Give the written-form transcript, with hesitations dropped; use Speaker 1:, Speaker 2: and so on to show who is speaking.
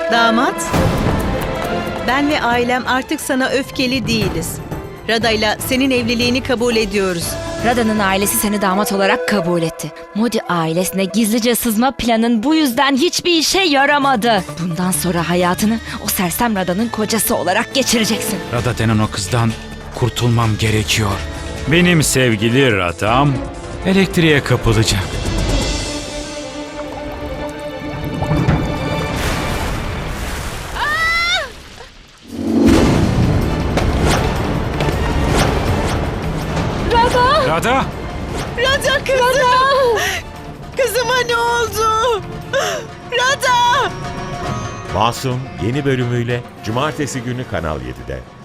Speaker 1: Damat, ben ve ailem artık sana öfkeli değiliz. Rada'yla senin evliliğini kabul ediyoruz.
Speaker 2: Rada'nın ailesi seni damat olarak kabul etti. Modi ailesine gizlice sızma planın bu yüzden hiçbir işe yaramadı. Bundan sonra hayatını o sersem Rada'nın kocası olarak geçireceksin.
Speaker 3: Rada denen o kızdan kurtulmam gerekiyor. Benim sevgili Radam elektriğe kapılacak. Rada!
Speaker 1: Rada kızım! Kızıma ne oldu? Rada!
Speaker 4: Masum yeni bölümüyle Cumartesi günü Kanal 7'de.